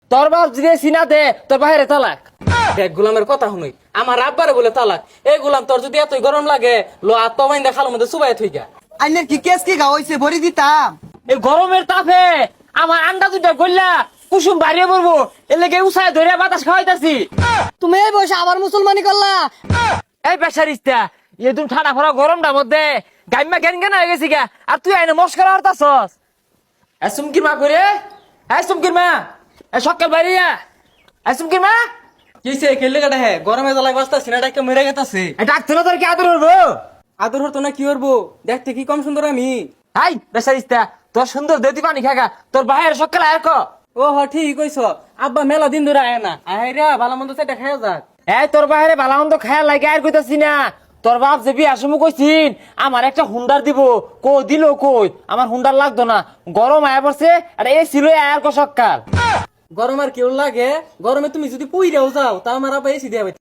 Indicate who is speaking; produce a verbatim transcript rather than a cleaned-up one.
Speaker 1: তোর বাপ যদি সিনা দে তোর বাইরে তালাক। দেখ গোলামের কথা শুনুই, আমার আব্বারে বলে তালাক। এই গোলাম তোর যদি এতই গরম লাগে লো আত্ম বাইন্দা খালোর মধ্যে চুবাই থইকা।
Speaker 2: আইনের কি কেস কি গা হইছে ভরি দিতাম।
Speaker 1: এই গরমের তাপে আমার আন্ডা দুটা গল্লা কুসুম বাড়িয়ে পড়বো, এর লেগে উসায় ধরে বাতাস খাওয়াইতাছি।
Speaker 3: তুমি এই বসে আবার মুসলমানি করলা।
Speaker 1: এই বেসারিস্তা এই তুমি ঠাডা ফরা গরমটার মধ্যে গাইমা জ্ঞান জ্ঞান হয়ে গেছি গা, আর তুই আইনে মস্করা হরতাছস। এ সুমকির মা করে, এ সুমকির মা, এ সকাল বাড়িয়া, এ সুমকির মা।
Speaker 4: কিসে খেললে কাটা হ্যাঁ গরমে জ্বালা বাস্তা সিনাটা একটা মেরে গেতাছে।
Speaker 1: এ ডাক্তার তোর কি আদর হবো?
Speaker 4: আদর হতো না কি করবো, দেখতে কি কম সুন্দর আমি।
Speaker 1: হাই বেসারিস্তা তোর সুন্দর দেতি পানি খাগা, তোর বাইরে সকাল আয় ক।
Speaker 4: ও হ ঠিক কইছ, আব্বা মেলা দিন ধরে আয় না, আয় রে ভালো মন্দ সেটা খাইয়া যাক।
Speaker 1: এই তোর বাইরে ভালামন্দ খায়া লাগে আর কইতাছি না। তোর বাপ যে বিয়ার সময় কইছিন আমার একটা হুন্ডার দিব, কো দিল কই আমার হুন্ডার লাগতো না, গরম আয়া পড়ছে আর এই ছিল আয়ার কো সকাল।
Speaker 4: গরম আর কেউ লাগে, গরমে তুমি যদি পুইরাও যাও তা আমার আব্বা এসি দেবে।